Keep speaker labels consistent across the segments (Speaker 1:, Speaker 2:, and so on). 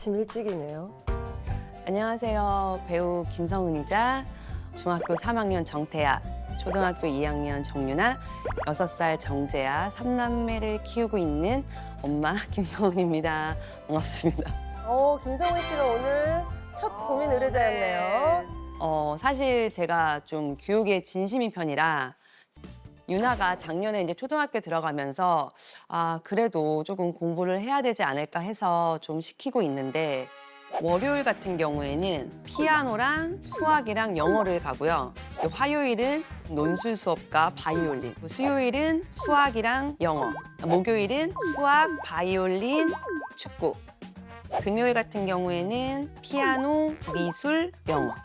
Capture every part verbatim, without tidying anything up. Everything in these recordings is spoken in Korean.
Speaker 1: 아침 일찍이네요.
Speaker 2: 안녕하세요. 배우 김성은이자 중학교 삼 학년 정태아, 초등학교 이 학년 정유나, 여섯 살 정재아, 삼남매를 키우고 있는 엄마 김성은입니다. 반갑습니다.
Speaker 1: 어, 김성은 씨가 오늘 첫 고민 의뢰자였네요.
Speaker 2: 어, 사실 제가 좀 교육에 진심인 편이라 유나가 작년에 이제 초등학교 들어가면서 아, 그래도 조금 공부를 해야 되지 않을까 해서 좀 시키고 있는데 월요일 같은 경우에는 피아노랑 수학이랑 영어를 가고요. 화요일은 논술 수업과 바이올린, 수요일은 수학이랑 영어, 목요일은 수학, 바이올린, 축구, 금요일 같은 경우에는 피아노, 미술, 영어.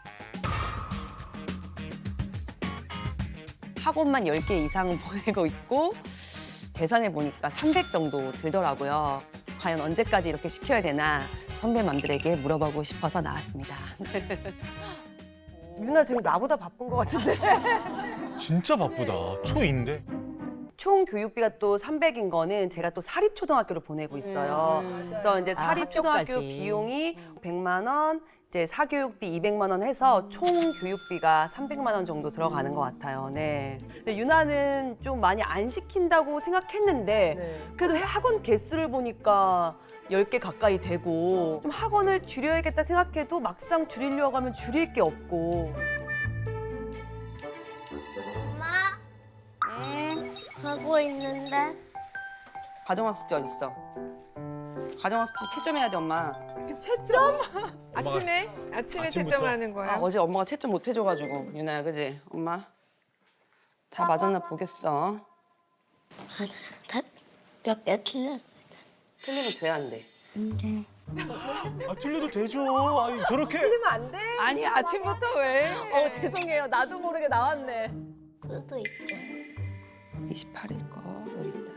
Speaker 2: 학원만 열 개 이상 보내고 있고 계산해 보니까 삼백 정도 들더라고요. 과연 언제까지 이렇게 시켜야 되나 선배맘들에게 물어보고 싶어서 나왔습니다.
Speaker 1: 유나 지금 나보다 바쁜 것 같은데.
Speaker 3: 진짜 바쁘다. 초인데.
Speaker 2: 총 교육비가 또 삼백인 거는 제가 또 사립초등학교를 보내고 있어요. 그래서 이제
Speaker 4: 아,
Speaker 2: 사립초등학교
Speaker 4: 학교까지.
Speaker 2: 비용이 백만 원, 이제 사교육비 이백만 원 해서 총 교육비가 삼백만 원 정도 들어가는 것 같아요. 네. 근데 유나는 좀 많이 안 시킨다고 생각했는데
Speaker 1: 네.
Speaker 2: 그래도 학원 개수를 보니까 열 개 가까이 되고 좀 학원을 줄여야겠다 생각해도 막상 줄이려고 하면 줄일 게 없고.
Speaker 5: 엄마, 하고 있는데
Speaker 2: 가정학습지 어딨어? 가정학습지 채점해야 돼, 엄마.
Speaker 1: 채점?
Speaker 6: 아침에? 아침에
Speaker 3: 아침부터?
Speaker 6: 채점하는 거야?
Speaker 2: 아, 어제 엄마가 채점 못 해줘가지고 유나야, 그지? 엄마 다 맞았나 보겠어.
Speaker 5: 몇 개 틀렸어.
Speaker 2: 틀리면 돼, 안 돼?
Speaker 3: 아, 틀려도 되죠. 아니, 저렇게.
Speaker 1: 틀리면 안 돼.
Speaker 4: 아니 아침부터 왜? 어 죄송해요. 나도 모르게 나왔네.
Speaker 5: 수도 있죠.
Speaker 2: 이십팔 일 거 여기 있다.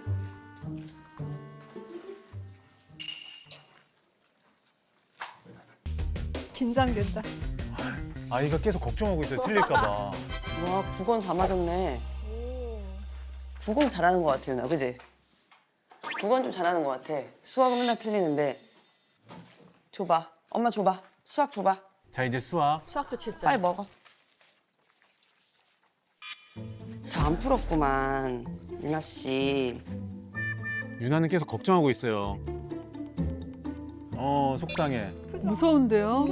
Speaker 4: 긴장된다.
Speaker 3: 아이가 계속 걱정하고 있어요. 틀릴까봐.
Speaker 2: 와, 국어는 다 맞았네. 국어는 잘하는 것 같아, 유나, 그지? 국어는 좀 잘하는 것 같아. 수학은 맨날 틀리는데. 줘봐. 엄마 줘봐. 수학 줘봐.
Speaker 3: 자, 이제 수학.
Speaker 4: 수학도 칠 점.
Speaker 2: 빨리 먹어. 다 안 풀었구만, 유나 씨.
Speaker 3: 유나는 계속 걱정하고 있어요. 어, 속상해.
Speaker 4: 무서운데요?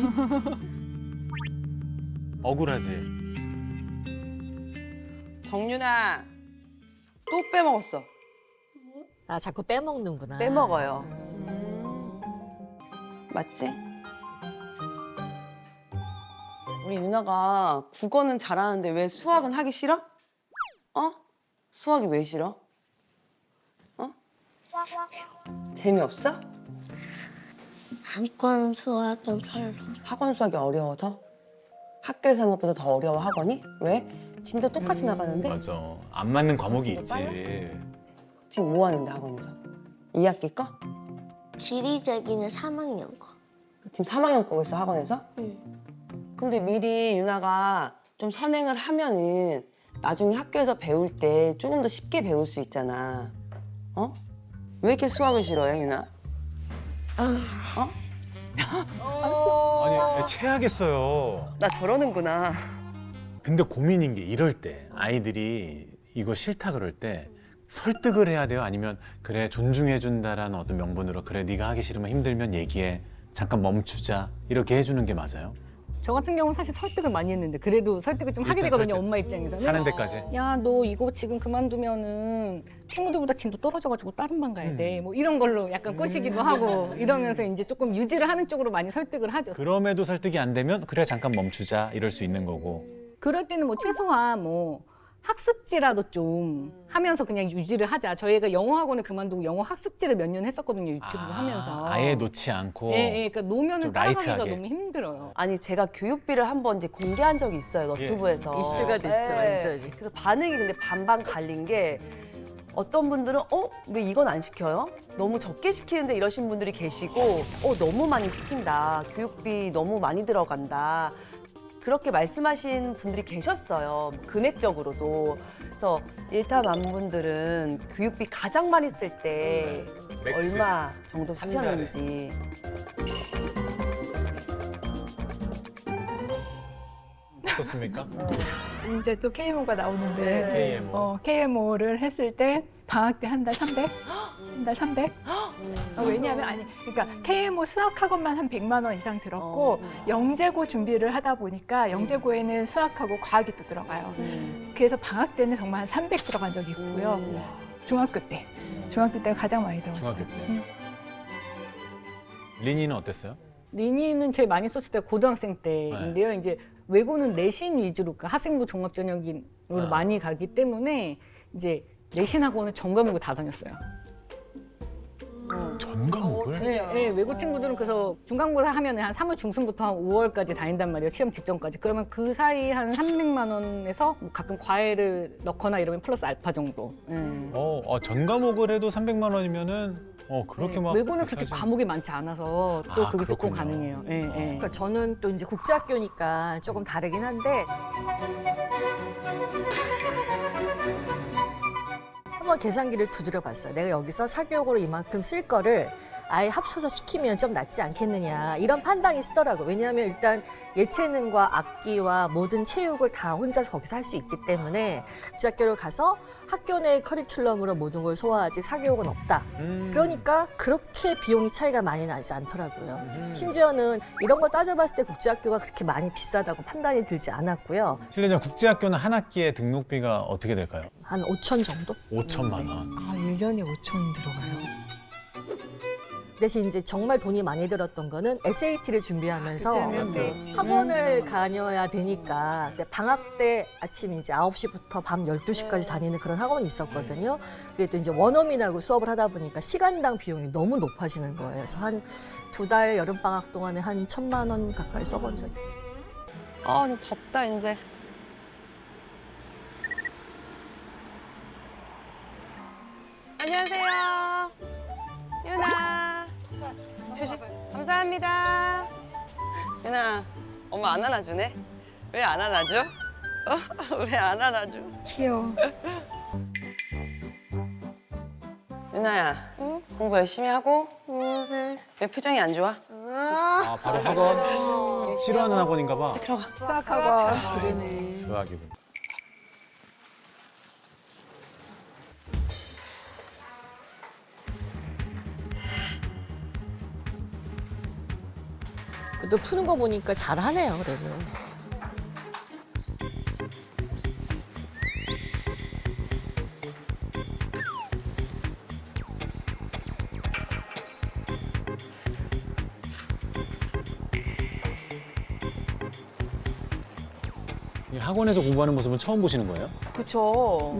Speaker 3: 억울하지.
Speaker 2: 정유나, 또 빼먹었어.
Speaker 4: 아 자꾸 빼먹는구나.
Speaker 2: 빼먹어요. 맞지? 우리 유나가 국어는 잘하는데 왜 수학은 하기 싫어? 어? 수학이 왜 싫어? 어? 재미없어?
Speaker 5: 한권 수학은 별로.
Speaker 2: 학원 수학이 어려워서? 학교에서 하는 것보다 더 어려워, 학원이? 왜? 진도 똑같이 나가는데?
Speaker 3: 맞아. 안 맞는 과목이 있지.
Speaker 2: 지금 뭐 하는데, 학원에서? 이 학기 거?
Speaker 5: 지리재기는 삼 학년 거.
Speaker 2: 지금 삼 학년 거고 있어, 학원에서?
Speaker 5: 응.
Speaker 2: 근데 미리 유나가 좀 선행을 하면은 나중에 학교에서 배울 때 조금 더 쉽게 배울 수 있잖아. 어? 왜 이렇게 수학을 싫어해, 유나? 어?
Speaker 3: 아니, 애 체하겠어요.
Speaker 2: 나 저러는구나.
Speaker 3: 근데 고민인 게 이럴 때 아이들이 이거 싫다 그럴 때 설득을 해야 돼요? 아니면 그래 존중해준다라는 어떤 명분으로 그래 네가 하기 싫으면 힘들면 얘기해 잠깐 멈추자 이렇게 해주는 게 맞아요?
Speaker 7: 저 같은 경우는 사실 설득을 많이 했는데 그래도 설득을 좀 하게
Speaker 3: 일단
Speaker 7: 되거든요.
Speaker 3: 설득.
Speaker 7: 엄마 입장에서는.
Speaker 3: 하는 데까지?
Speaker 7: 야, 너 이거 지금 그만두면은 친구들보다 진도 떨어져가지고 다른 반 가야 돼. 뭐 이런 걸로 약간 꼬시기도 하고 이러면서 이제 조금 유지를 하는 쪽으로 많이 설득을 하죠.
Speaker 3: 그럼에도 설득이 안 되면 그래 잠깐 멈추자 이럴 수 있는 거고.
Speaker 7: 그럴 때는 뭐 최소한 뭐 학습지라도 좀 하면서 그냥 유지를 하자. 저희가 영어 학원을 그만두고 영어 학습지를 몇 년 했었거든요. 유튜브 하면서.
Speaker 3: 아예 놓지 않고.
Speaker 7: 예, 예, 그러니까 노면은
Speaker 3: 좀
Speaker 7: 따라가기가
Speaker 3: 라이트하게.
Speaker 7: 너무 힘들어요.
Speaker 2: 아니, 제가 교육비를 한번 이제 공개한 적이 있어요, 너튜브에서.
Speaker 4: 이슈가 됐죠, 완전히.
Speaker 2: 그래서 반응이 근데 반반 갈린 게 어떤 분들은 어? 왜 이건 안 시켜요? 너무 적게 시키는데 이러신 분들이 계시고 어, 너무 많이 시킨다. 교육비 너무 많이 들어간다. 그렇게 말씀하신 분들이 계셨어요. 금액적으로도. 그래서 일타만분들은 교육비 가장 많이 쓸 때
Speaker 3: 맥스.
Speaker 2: 얼마 정도 쓰셨는지.
Speaker 3: 어떻습니까?
Speaker 8: 이제 또 케이엠오가 나오는데
Speaker 3: 케이엠오.
Speaker 8: 어, 케이엠오를 했을 때 방학 때 한 달 삼백? 한 달 삼백? 어, 왜냐하면 아니 그러니까 케이엠오 수학학원만 한 백만 원 이상 들었고 영재고 준비를 하다 보니까 영재고에는 수학하고 과학이 또 들어가요. 그래서 방학 때는 정말 한 삼백 들어간 적이 있고요. 중학교 때. 중학교 때 가장 많이 들어갔어요.
Speaker 3: 중학교 때.
Speaker 8: 음.
Speaker 3: 리니는 어땠어요?
Speaker 7: 리니는 제일 많이 썼을 때 고등학생 때인데요. 이제 외고는 내신 위주로 그러니까 학생부 종합전형으로
Speaker 3: 아.
Speaker 7: 많이 가기 때문에 이제 내신 학원을 전 과목을 다 다녔어요.
Speaker 3: 전 과목을?
Speaker 7: 네, 네, 외고 친구들은 그래서 중간고사 하면 한 삼월 중순부터 한 오월까지 다닌단 말이에요. 시험 직전까지. 그러면 그 사이 한 삼백만 원에서 뭐 가끔 과외를 넣거나 이러면 플러스 알파 정도. 네.
Speaker 3: 어, 어, 전 과목을 해도 삼백만 원이면은 어 그렇게
Speaker 7: 네,
Speaker 3: 막
Speaker 7: 외고는 그렇게
Speaker 3: 비싸지-
Speaker 7: 과목이 많지 않아서 또
Speaker 3: 아,
Speaker 7: 그게 조금
Speaker 3: 그렇군요.
Speaker 7: 가능해요. 예, 예.
Speaker 6: 그러니까 저는 또 이제 국제학교니까 조금 다르긴 한데 한번 계산기를 두드려 봤어요. 내가 여기서 사교육으로 이만큼 쓸 거를 아예 합쳐서 시키면 좀 낫지 않겠느냐 이런 판단이 쓰더라고요. 왜냐하면 일단 예체능과 악기와 모든 체육을 다 혼자서 거기서 할 수 있기 때문에 국제학교를 가서 학교 내 커리큘럼으로 모든 걸 소화하지 사교육은 없다.
Speaker 3: 음.
Speaker 6: 그러니까 그렇게 비용이 차이가 많이 나지 않더라고요. 심지어는 이런 걸 따져봤을 때 국제학교가 그렇게 많이 비싸다고 판단이 들지 않았고요.
Speaker 3: 실례지만 국제학교는 한 학기에 등록비가 어떻게 될까요?
Speaker 6: 한 오천 정도?
Speaker 3: 오천만 원.
Speaker 1: 아, 일 년에 오천 들어가요.
Speaker 6: 대신 이제 정말 돈이 많이 들었던 거는 에스에이티를 준비하면서 학원을 다녀야 되니까 근데 방학 때 아침 이제 아홉 시부터 밤 열두 시까지 다니는 그런 학원이 있었거든요. 그게 또 이제 원어민하고 수업을 하다 보니까 시간당 비용이 너무 높아지는 거예요. 그래서 한 두 달 여름방학 동안에 한 천만 원 가까이 써본 적이
Speaker 2: 아, 좀 덥다, 이제. 안녕하세요. 유나. 조심. 감사합니다. 유나, 엄마 안 안아주네? 왜 안 안아줘? 어? 왜 안 안아줘?
Speaker 1: 귀여워.
Speaker 2: 유나야, 공부 열심히 하고? 왜 표정이 안 좋아?
Speaker 3: 아 바로 학원 싫어하는 학원인가 봐.
Speaker 2: 들어가.
Speaker 8: 수학학원 기르네.
Speaker 3: 수학이군.
Speaker 6: 그래도 푸는 거 보니까 잘하네요. 그래도.
Speaker 3: 이 학원에서 공부하는 모습은 처음 보시는 거예요?
Speaker 2: 그쵸.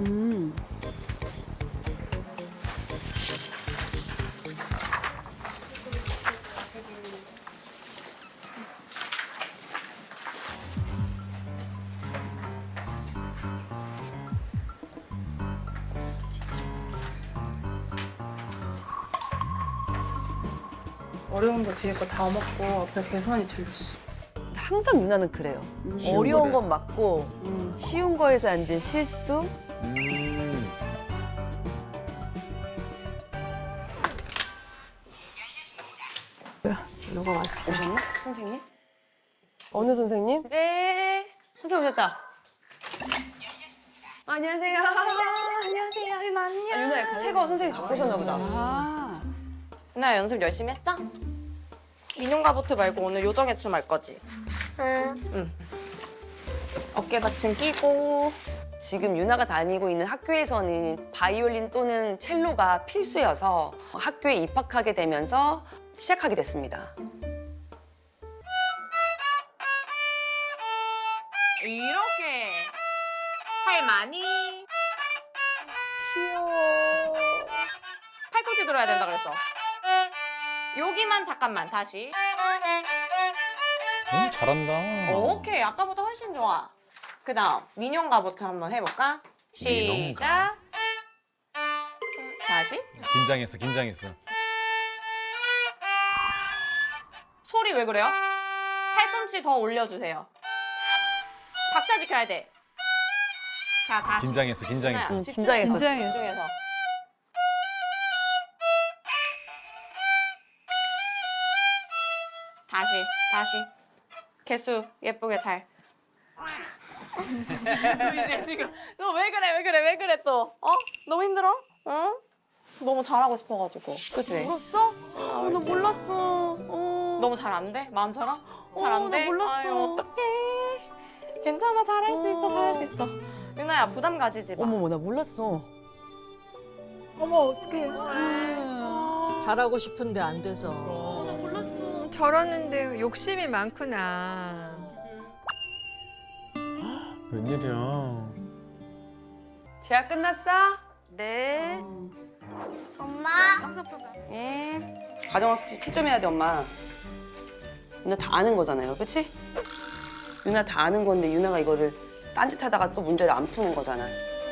Speaker 9: 어려운 거 뒤에 거 다 먹고 앞에 계산이 틀렸어.
Speaker 2: 항상 유나는 그래요. 어려운 건 맞고 쉬운 거에서 이제 실수.
Speaker 3: 음.
Speaker 6: 누가 왔어?
Speaker 2: 오셨나? 선생님?
Speaker 1: 어느 선생님?
Speaker 2: 네. 선생님 오셨다. 안녕하세요.
Speaker 9: 안녕하세요, 이모 안녕.
Speaker 2: 아, 유나야, 그 새거 선생님 갖고 오셨나 보다.
Speaker 9: 나 연습 열심히 했어? 민용가부트 말고 오늘 요정해춤 할 거지? 응. 응. 어깨 받침 끼고.
Speaker 2: 지금 유나가 다니고 있는 학교에서는 바이올린 또는 첼로가 필수여서 학교에 입학하게 되면서 시작하게 됐습니다.
Speaker 9: 이렇게 팔 많이.
Speaker 1: 귀여워.
Speaker 9: 팔꿈치 들어야 된다 그랬어. 여기만 잠깐만 다시.
Speaker 3: 오, 잘한다.
Speaker 9: 오케이, 아까보다 훨씬 좋아. 그다음 민용가부터 한번 해볼까? 시작. 다시.
Speaker 3: 긴장했어, 긴장했어.
Speaker 9: 소리 왜 그래요? 팔꿈치 더 올려주세요. 박자 지켜야 돼. 자, 다시.
Speaker 3: 긴장했어, 긴장했어.
Speaker 9: 하나,
Speaker 2: 응,
Speaker 9: 집중,
Speaker 2: 긴장했어.
Speaker 9: 집중해서. 다시, 다시. 개수 예쁘게 잘. 너 이제 지금 너 왜 그래 왜 그래 왜 그래 또 어? 너무 힘들어? 응? 너무 잘하고 싶어가지고 그치?
Speaker 4: 울었어? 어, 나 몰랐어. 어.
Speaker 9: 너무 잘 안 돼? 마음처럼? 잘
Speaker 4: 어,
Speaker 9: 안
Speaker 4: 나
Speaker 9: 돼?
Speaker 4: 몰랐어.
Speaker 9: 아유 어떡해 괜찮아 잘할 수 있어 잘할 수 있어 유나야 부담 가지지 마
Speaker 4: 어머, 나 몰랐어.
Speaker 8: 어머 어떡해.
Speaker 6: 잘하고 싶은데 안 돼서.
Speaker 4: 어, 나 몰랐어.
Speaker 1: 저러는데 욕심이 많구나.
Speaker 3: 웬일이야.
Speaker 2: 재학 끝났어?
Speaker 4: 네.
Speaker 5: 엄마.
Speaker 2: 응. 가정학습 채점해야 돼, 엄마. 유나 다 아는 거잖아요, 그치? 유나 다 아는 건데 유나가 이거를 딴짓하다가 또 문제를 안 푸는 거잖아.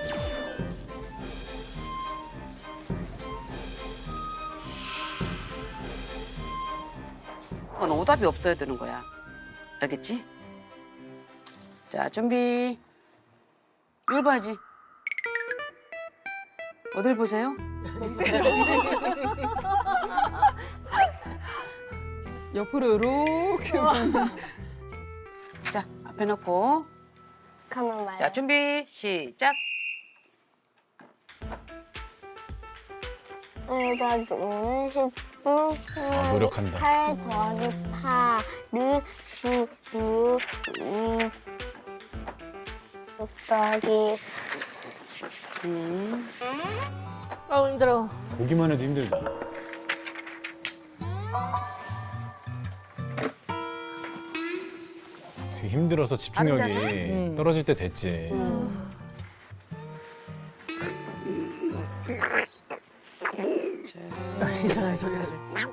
Speaker 10: 그건 오답이 없어야 되는 거야. 알겠지? 자, 준비. 이걸 봐야지. 어딜 보세요?
Speaker 4: 옆으로 이렇게.
Speaker 10: 자, 앞에 놓고.
Speaker 5: 가만 말해.
Speaker 10: 자, 준비, 시작.
Speaker 5: 내가 노는 십분
Speaker 3: 아, 노력한다.
Speaker 5: 팔 더하기 팔을 십육 음, 육 더하기
Speaker 10: 음.
Speaker 6: 아 힘들어.
Speaker 3: 보기만 해도 힘들다. 지금 힘들어서 집중력이
Speaker 10: 앉아서?
Speaker 3: 떨어질 때 됐지.
Speaker 6: 이상한 소리를 해.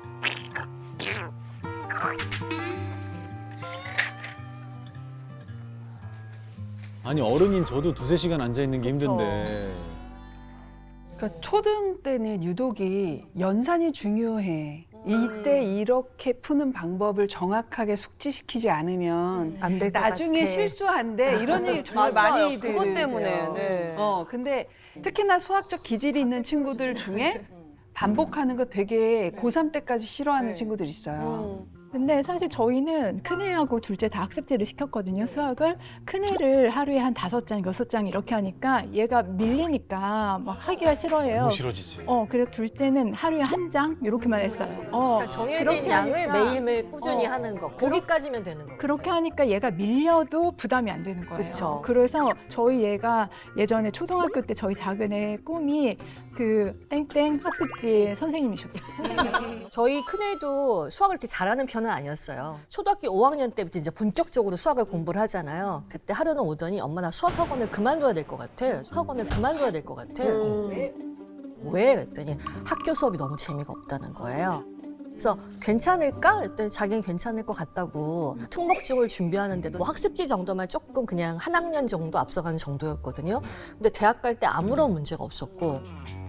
Speaker 3: 아니 어른인 저도 두세 시간 앉아 있는 게 힘든데.
Speaker 11: 그러니까 초등 때는 유독이 연산이 중요해. 이때 이렇게 푸는 방법을 정확하게 숙지시키지 않으면
Speaker 6: 안 될 것
Speaker 11: 나중에
Speaker 6: 같아.
Speaker 11: 실수한대. 이런 얘기 정말
Speaker 2: 맞아요.
Speaker 11: 많이
Speaker 2: 그것
Speaker 11: 들으세요.
Speaker 2: 때문에, 네.
Speaker 11: 어, 근데 특히나 수학적 기질이 있는 친구들 중에 반복하는 거 되게 고삼 때까지 싫어하는 친구들 있어요.
Speaker 8: 근데 사실 저희는 큰애하고 둘째 다 학습지를 시켰거든요, 수학을. 큰애를 하루에 한 다섯 장, 여섯 장 이렇게 하니까 얘가 밀리니까 막 하기가 싫어해요.
Speaker 3: 너무 싫어지지.
Speaker 8: 어, 그래서 둘째는 하루에 한 장 이렇게만 했어요. 어,
Speaker 6: 그러니까 정해진
Speaker 8: 그렇게
Speaker 6: 양을
Speaker 8: 하니까
Speaker 6: 매일매일 꾸준히
Speaker 8: 어.
Speaker 6: 하는 거. 거기까지면 되는 거.
Speaker 8: 그렇게 하니까 얘가 밀려도 부담이 안 되는 거예요.
Speaker 4: 그쵸.
Speaker 8: 그래서 저희 얘가 예전에 초등학교 때 저희 작은 애 꿈이 그 땡땡 학습지 선생님이셨어요.
Speaker 6: 저희 큰애도 수학을 이렇게 잘하는 편은 아니었어요. 초등학교 오 학년 때부터 이제 본격적으로 수학을 공부를 하잖아요. 그때 하루는 오더니 엄마 나 수학 학원을 그만둬야 될 것 같아. 수학 학원을 그만둬야 될 것 같아. 왜? 왜? 그랬더니 학교 수업이 너무 재미가 없다는 거예요. 그래서 괜찮을까? 했더니 자기는 괜찮을 것 같다고 특목중을 준비하는데도 뭐 학습지 정도만 조금 그냥 한 학년 정도 앞서가는 정도였거든요. 근데 대학 갈 때 아무런 문제가 없었고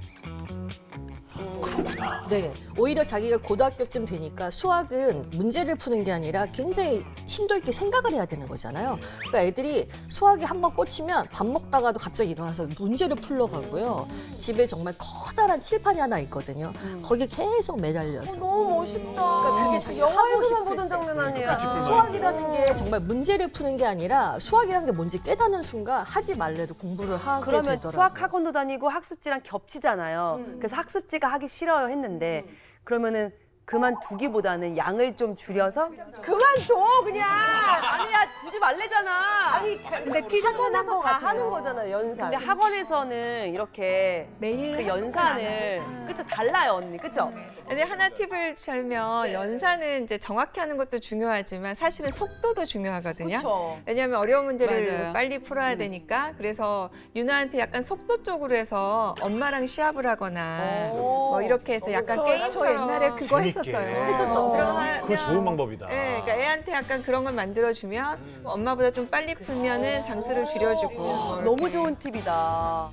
Speaker 3: 그렇구나.
Speaker 6: 네, 오히려 자기가 고등학교쯤 되니까 수학은 문제를 푸는 게 아니라 굉장히 심도 있게 생각을 해야 되는 거잖아요. 그러니까 애들이 수학에 한번 꽂히면 밥 먹다가도 갑자기 일어나서 문제를 풀러 가고요. 집에 정말 커다란 칠판이 하나 있거든요. 거기에 계속 매달려서.
Speaker 1: 너무 멋있다.
Speaker 6: 그러니까 그게 자기가 하고
Speaker 1: 영화에서만
Speaker 6: 싶을
Speaker 1: 보던
Speaker 6: 때.
Speaker 1: 장면 아니야.
Speaker 6: 그러니까 수학이라는 게 정말 문제를 푸는 게 아니라 수학이라는 게 뭔지 깨닫는 순간 하지 말래도 공부를 하게
Speaker 2: 그러면
Speaker 6: 되더라고요.
Speaker 2: 수학 학원도 다니고 학습지랑 겹치잖아요. 그래서 학습지가 하기 싫어요 했는데 그러면은 그만두기보다는 양을 좀 줄여서
Speaker 1: 그만둬 그냥.
Speaker 2: 아니야 두지 말래잖아.
Speaker 1: 아니
Speaker 8: 근데 필요는
Speaker 1: 학원에서
Speaker 8: 한것
Speaker 1: 다
Speaker 8: 같아요.
Speaker 1: 하는 거잖아요 연산.
Speaker 2: 근데 학원에서는 이렇게
Speaker 8: 매일
Speaker 2: 그
Speaker 8: 하지는
Speaker 2: 연산을
Speaker 8: 않아요.
Speaker 2: 그쵸 달라요 언니 그쵸?
Speaker 12: 근데 하나 팁을 들면 연산은 이제 정확히 하는 것도 중요하지만 사실은 속도도 중요하거든요.
Speaker 2: 그쵸.
Speaker 12: 왜냐하면 어려운 문제를
Speaker 2: 맞아요.
Speaker 12: 빨리 풀어야 되니까 그래서 유나한테 약간 속도 쪽으로 해서 엄마랑 시합을 하거나 뭐 이렇게 해서 약간
Speaker 8: 저,
Speaker 12: 게임처럼
Speaker 8: 저 옛날에 그거
Speaker 3: 재밌게.
Speaker 8: 했었어요.
Speaker 6: 했었어.
Speaker 12: 들어가면
Speaker 3: 그거 좋은 방법이다.
Speaker 12: 네, 그러니까 애한테 약간 그런 걸 만들어주면 엄마보다 좀 빨리 풀면은 장수를 줄여주고 뭐 이렇게.
Speaker 2: 너무 좋은 팁이다.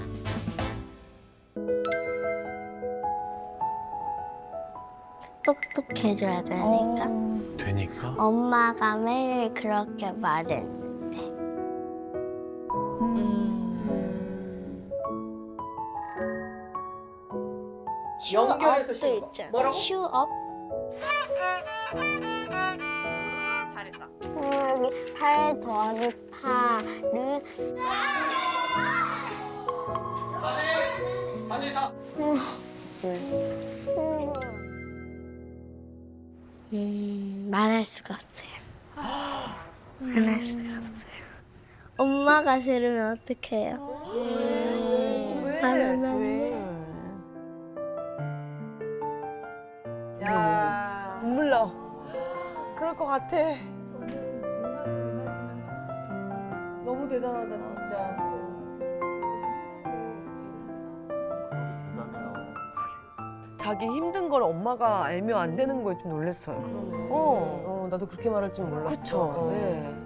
Speaker 5: 똑똑해져야 되니까.
Speaker 3: 되니까?
Speaker 5: 엄마가 매일 그렇게 말했는데. 업도 있잖아. 뭐라고? 슈업.
Speaker 9: 잘했다.
Speaker 5: 음, 여기 팔 더하기 파를 음, 말할 수가 없어요. 말할 수가 없어요. 엄마가 싫으면 어떡해요? 말하면 안 돼.
Speaker 1: 야,
Speaker 6: 눈물 나.
Speaker 1: 그럴 것 같아.
Speaker 6: 너무 대단하다 진짜.
Speaker 1: 자기 힘든 걸 엄마가 알면 안 되는 거에 좀 놀랐어요. 어, 어, 나도 그렇게 말할 줄 몰랐어. 그쵸. 네.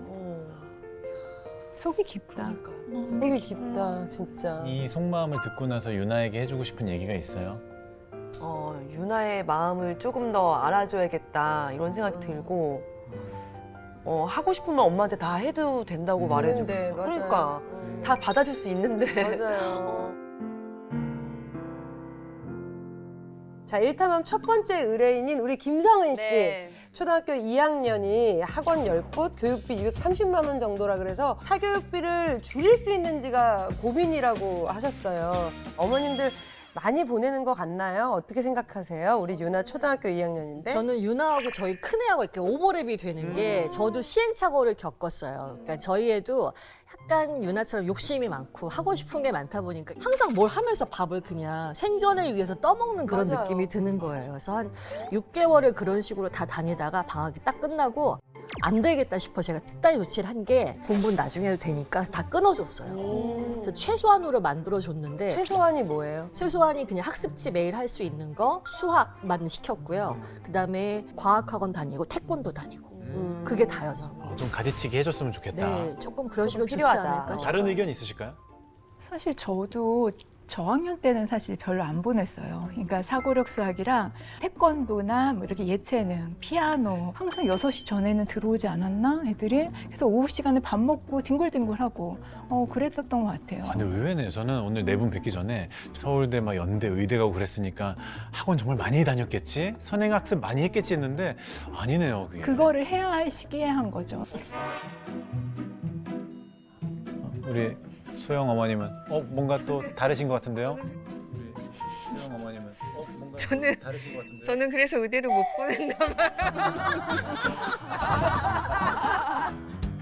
Speaker 11: 속이 깊다.
Speaker 1: 속이 깊다, 진짜.
Speaker 3: 이 속마음을 듣고 나서 유나에게 해주고 싶은 얘기가 있어요?
Speaker 2: 어, 유나의 마음을 조금 더 알아줘야겠다 이런 생각이 들고 어, 하고 싶으면 엄마한테 다 해도 된다고 말해주고
Speaker 1: 네,
Speaker 2: 싶어.
Speaker 1: 맞아요.
Speaker 2: 그러니까
Speaker 1: 음.
Speaker 2: 다 받아줄 수 있는데
Speaker 1: 맞아요. 자, 일탐함 첫 번째 의뢰인인 우리 김성은 씨.
Speaker 2: 네.
Speaker 1: 초등학교 이 학년이 학원 열 곳, 교육비 이백삼십만 원 정도라 그래서 사교육비를 줄일 수 있는지가 고민이라고 하셨어요. 어머님들 많이 보내는 것 같나요? 어떻게 생각하세요? 우리 유나 초등학교 이 학년인데.
Speaker 6: 저는 유나하고 저희 큰애하고 이렇게 오버랩이 되는 게 저도 시행착오를 겪었어요. 그러니까 저희 애도 약간 유나처럼 욕심이 많고 하고 싶은 게 많다 보니까 항상 뭘 하면서 밥을 그냥 생존을 위해서 떠먹는 그런
Speaker 1: 맞아요.
Speaker 6: 느낌이 드는 거예요. 그래서 한 육 개월을 그런 식으로 다 다니다가 방학이 딱 끝나고 안 되겠다 싶어 제가 특단의 조치를 한 게 공부는 나중에 해도 되니까 다 끊어줬어요. 그래서 최소한으로 만들어줬는데
Speaker 1: 최소한이 뭐예요?
Speaker 6: 최소한이 그냥 학습지 매일 할 수 있는 거 수학만 시켰고요. 그다음에 과학학원 다니고 태권도 다니고
Speaker 1: 음.
Speaker 6: 그게 다였어.
Speaker 3: 어, 좀 가지치기 해줬으면 좋겠다.
Speaker 6: 네, 조금 그러시면 좋지
Speaker 2: 필요하다.
Speaker 6: 않을까 싶어요.
Speaker 3: 다른 의견 있으실까요?
Speaker 8: 사실 저도 저학년 때는 사실 별로 안 보냈어요. 그러니까 사고력 수학이랑 태권도나 뭐 이렇게 예체능, 피아노 항상 여섯 시 전에는 들어오지 않았나 애들이? 그래서 오후 시간에 밥 먹고 뒹굴뒹굴하고 어 그랬었던 것 같아요.
Speaker 3: 아, 근데 의외네. 저는 오늘 네 분 뵙기 전에 서울대 막 연대 의대 가고 그랬으니까 학원 정말 많이 다녔겠지? 선행학습 많이 했겠지 했는데 아니네요. 그게.
Speaker 8: 그거를 해야 할 시기에 한 거죠.
Speaker 3: 우리 소영 어머님은 어 뭔가 또 다르신 것 같은데요? 우리 소영 어머님은 어 뭔가
Speaker 12: 저는-
Speaker 3: 다르신 것 같은데요?
Speaker 12: 저는 그래서 의대를 못 보냈나 봐요.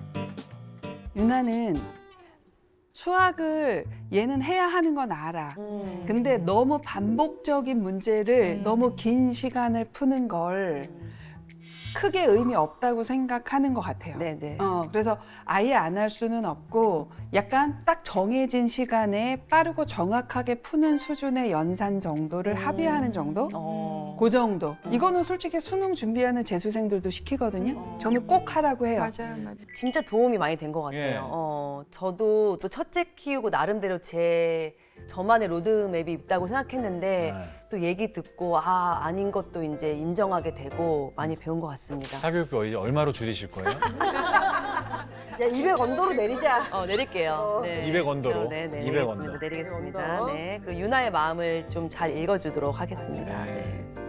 Speaker 11: 유나는 수학을 얘는 해야 하는 건 알아.
Speaker 2: 음.
Speaker 11: 근데 너무 반복적인 문제를 너무 긴 시간을 푸는 걸 크게 의미 없다고 생각하는 것 같아요.
Speaker 2: 네네.
Speaker 11: 어, 그래서 아예 안 할 수는 없고 약간 딱 정해진 시간에 빠르고 정확하게 푸는 수준의 연산 정도를 합의하는 정도?
Speaker 2: 어.
Speaker 11: 그 정도. 이거는 솔직히 수능 준비하는 재수생들도 시키거든요. 저는 꼭 하라고 해요.
Speaker 12: 맞아요, 맞아요.
Speaker 2: 진짜 도움이 많이 된 것 같아요.
Speaker 3: 예.
Speaker 2: 어, 저도 또 첫째 키우고 나름대로 제 저만의 로드맵이 있다고 생각했는데
Speaker 3: 네.
Speaker 2: 또 얘기 듣고 아 아닌 것도 이제 인정하게 되고 많이 배운 것 같습니다.
Speaker 3: 사교육비 이제 얼마로 줄이실 거예요?
Speaker 1: 야, 이백 언더로 내리자.
Speaker 2: 어 내릴게요. 네.
Speaker 3: 이백 언더로?
Speaker 2: 네, 네,
Speaker 3: 이백
Speaker 2: 내리겠습니다.
Speaker 3: 언더.
Speaker 2: 내리겠습니다.
Speaker 1: 이백 언더.
Speaker 2: 네, 그 유나의 마음을 좀 잘 읽어주도록 하겠습니다. 네.